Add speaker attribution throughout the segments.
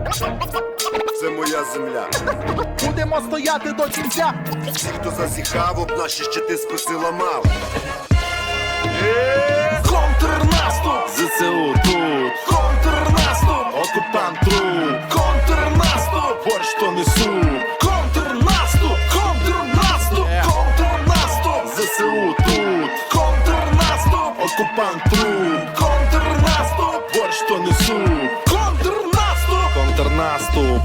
Speaker 1: Це моя земля.
Speaker 2: Будемо стояти до кінця.
Speaker 1: Всі, хто зазіхав, об наші щити списи ламав.
Speaker 2: Контрнаступ!
Speaker 3: ЗСУ тут,
Speaker 2: Контрнаступ!
Speaker 3: окупант труп,
Speaker 2: Контрнаступ!
Speaker 3: борщ то несу,
Speaker 2: Контрнаступ! Контрнаступ! Контрнаступ!
Speaker 3: ЗСУ тут,
Speaker 2: Контрнаступ!
Speaker 3: окупант труп,
Speaker 2: Контрнаступ!
Speaker 3: борщ то несу,
Speaker 2: Контрнаступ!
Speaker 3: контрнаступ.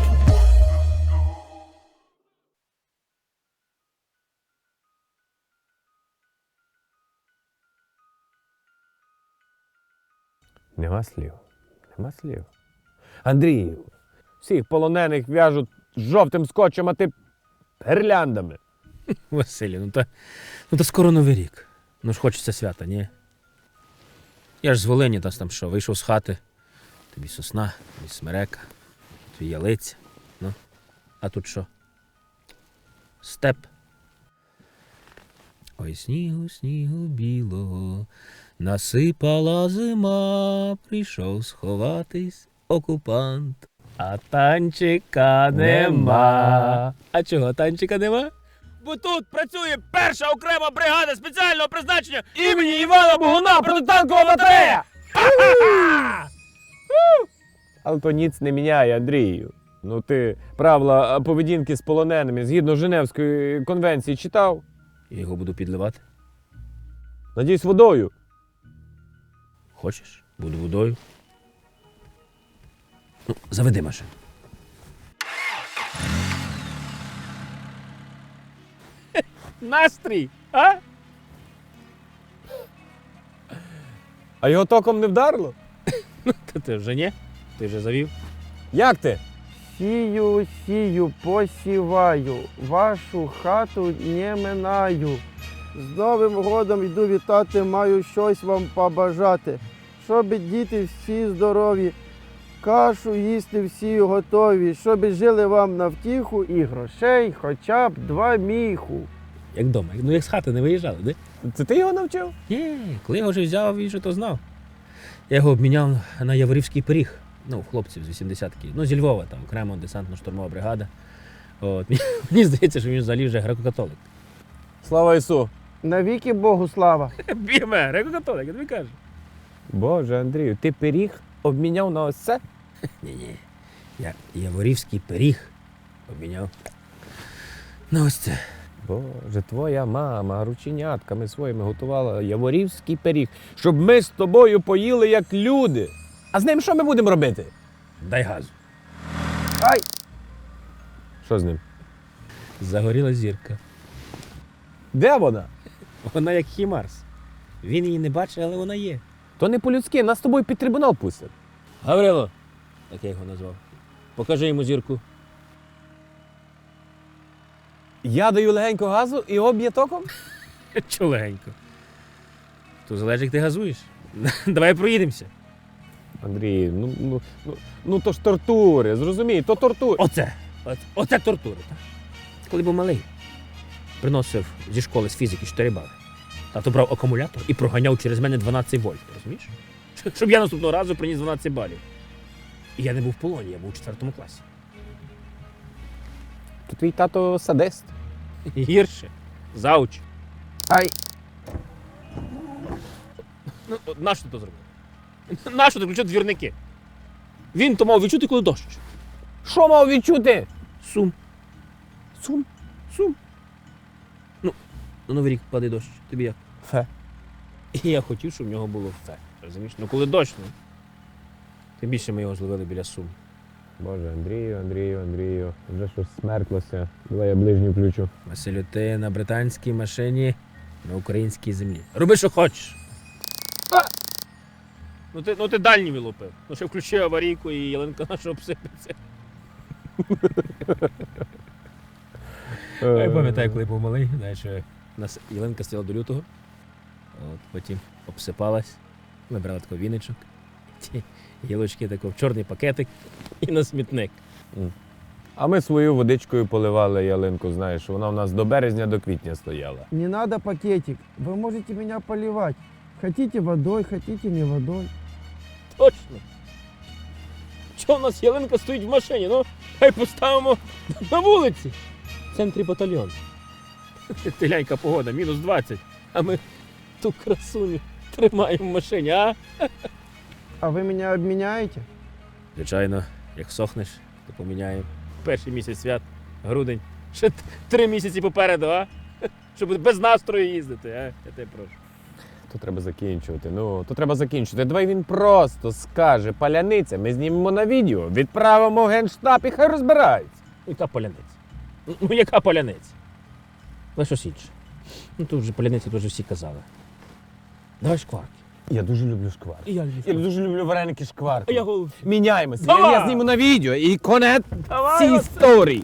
Speaker 4: Нема слів. Нема слів. Андрію, всіх полонених в'яжуть жовтим скотчем, а ти гірляндами.
Speaker 5: Василю, ну та скоро Новий рік. Ну ж хочеться свята, ні? Я ж з Волині, там що, вийшов з хати. Тобі сосна, тобі смерека, тобі ялиця. Ну, а тут що? Степ. Ой, снігу, снігу білого, насипала зима, прийшов сховатись окупант. А танчика нема. А чого танчика нема? Бо тут працює перша окрема бригада спеціального призначення імені Івана Богуна протитанкова батарея!
Speaker 4: Але то ніц не міняє, Андрію. Ну ти правила поведінки з полоненими згідно Женевської конвенції читав?
Speaker 5: Я його буду підливати.
Speaker 4: Надіюсь, водою.
Speaker 5: Хочеш? Буду водою. Ну, заведи машину. Настрій, а?
Speaker 4: А його током не вдарило?
Speaker 5: Та ти вже ні? Ти вже завів?
Speaker 4: Як ти?
Speaker 6: Сію, сію, посіваю, вашу хату не минаю. З Новим годом йду вітати, маю щось вам побажати. Щоб діти всі здорові, кашу їсти всі готові, щоб жили вам на втіху і грошей хоча б 2 міху.
Speaker 5: Як вдома. Ну як з хати не виїжджали, де?
Speaker 4: Це ти його навчив?
Speaker 5: Ні, коли я його вже взяв, він же то знав. Я його обміняв на Яворівський пиріг. Ну, хлопців з 80-ки. Ну, зі Львова, там, окремо десантно-штурмова бригада. От. Мені здається, що він взагалі вже греко-католик.
Speaker 4: Слава Ісу!
Speaker 6: Навіки Богу слава.
Speaker 5: Біме, греко-католик, я тобі кажу.
Speaker 4: Боже, Андрію, ти пиріг обміняв на ось це?
Speaker 5: Ні-ні. Я Яворівський пиріг обміняв. Ну, ось це.
Speaker 4: Боже, твоя мама рученятками своїми готувала яворівський пиріг, щоб ми з тобою поїли як люди. А з ним що ми будемо робити?
Speaker 5: Дай газу.
Speaker 6: Ай!
Speaker 4: Що з ним?
Speaker 5: Загоріла зірка.
Speaker 4: Де вона?
Speaker 5: Вона як Хімарс. Він її не бачить, але вона є.
Speaker 4: То не по-людськи, нас з тобою під трибунал пустять.
Speaker 5: Гаврило, так я його назвав. Покажи йому зірку.
Speaker 4: Я даю легенько газу і об'є током?
Speaker 5: Чого легенько? То залежить, як ти газуєш. Давай проїдемося.
Speaker 4: Андрій, ну то ж тортури, зрозумій, то тортури.
Speaker 5: Оце тортура, так? Коли був малий, приносив зі школи з фізики 4 бали. Тато брав акумулятор і проганяв через мене 12 вольт, розумієш? Щоб я наступного разу приніс 12 балів. І я не був в полоні, я був у 4 класі.
Speaker 4: То твій тато садист.
Speaker 5: Гірше. Зауч.
Speaker 6: Ай!
Speaker 5: Ну, нащо ти то зробив? Нащо ти включив двірники? Він то мав відчути, коли дощ.
Speaker 4: Що мав відчути?
Speaker 5: Сум.
Speaker 4: Сум.
Speaker 5: Сум. Ну, на Новий рік падає дощ. Тобі як?
Speaker 4: Фе.
Speaker 5: І я хотів, щоб в нього було фе. Розумієш? Ну коли дощ, ну. Тим більше ми його зловили біля Сум.
Speaker 4: Боже, Андрію, вже щось смерклося. Давай я ближню включу.
Speaker 5: Василю, ти на британській машині на українській землі. Роби, що хочеш. Ну ти дальній вилупив. Ну ще включи аварійку і ялинка наша обсипеться. Я пам'ятаю, коли був малий, знаєш, у нас ялинка стояла до лютого, от, потім обсипалась, ми брали такий віничок, ті гілочки тако в чорний пакетик і на смітник.
Speaker 4: А ми свою водичкою поливали ялинку, знаєш, вона у нас до березня, до квітня стояла.
Speaker 6: Не надо пакетик, вы можете меня поливать. Хотите водой, хотите не водой.
Speaker 5: Точно. Що у нас ялинка стоїть в машині? Ну, хай поставимо на вулиці. В центрі батальйон. Теляйка погода, мінус 20. А ми ту красуню тримаємо в машині, а?
Speaker 6: А ви мене обміняєте?
Speaker 5: Звичайно, як сохнеш, то поміняємо. Перший місяць свят, грудень. Ще 3 місяці попереду, а? Щоб без настрою їздити, а? Я тебе прошу.
Speaker 4: То треба закінчувати. Ну, то треба закінчувати. Давай він просто скаже паляниця, ми знімемо на відео, відправимо в Генштаб і хай розбирається.
Speaker 5: Яка паляниця? Ну, яка паляниця? Але щось інше. Ну, тут вже паляниця, тут вже всі казали. Давай шкварки.
Speaker 4: Я дуже люблю шкварки.
Speaker 5: І я
Speaker 4: Я дуже люблю вареники шкварки.
Speaker 5: А я голуб.
Speaker 4: Міняємося.
Speaker 5: Давай!
Speaker 4: Я зніму на відео і конець
Speaker 5: Давай,
Speaker 4: цій
Speaker 5: оце.
Speaker 4: історії.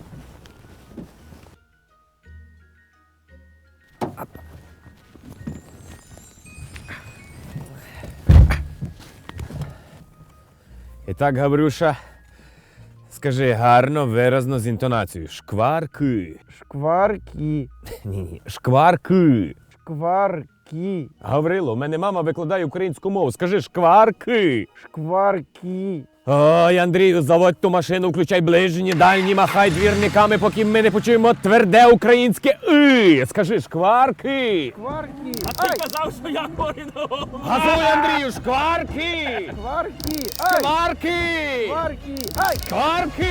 Speaker 4: І так, Гаврюша, скажи гарно, виразно з інтонацією. Шкварки.
Speaker 6: Шкварки.
Speaker 4: Ні, шкварки.
Speaker 6: Шкварки.
Speaker 4: Гаврило, у мене мама викладає українську мову. Скажи шкварки.
Speaker 6: Шкварки.
Speaker 4: Ой, Андрію, заводь ту машину, включай ближні, дальні, махай двірниками, поки ми не почуємо тверде українське «и». Скажи шкварки.
Speaker 6: Шкварки.
Speaker 5: Ти казав, що я хворий на голову.
Speaker 4: Газуй, Андрію, шкварки.
Speaker 6: Шкварки. Ай.
Speaker 4: Шкварки.
Speaker 6: Шкварки. Ай.
Speaker 4: Шкварки.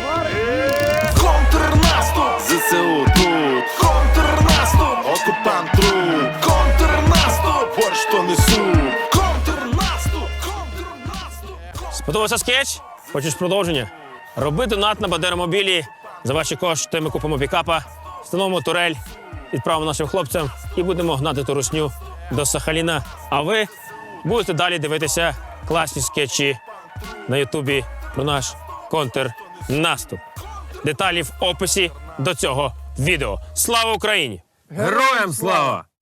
Speaker 2: Контрнаступ!
Speaker 3: ЗСУ тут,
Speaker 2: Контрнаступ!
Speaker 3: окупант труп,
Speaker 2: Контрнаступ!
Speaker 3: борщ то несу.
Speaker 2: Контрнаступ! Контрнаступ!
Speaker 5: Сподобався скетч? Хочеш продовження? Роби донат на Бадеромобілі. За ваші кошти ми купимо пікапа, встановимо турель, відправимо нашим хлопцям і будемо гнати ту русню до Сахаліна. А ви будете далі дивитися класні скетчі на Ютубі про наш контрнаступ. Деталі в описі до цього відео. Слава Україні!
Speaker 4: Героям слава!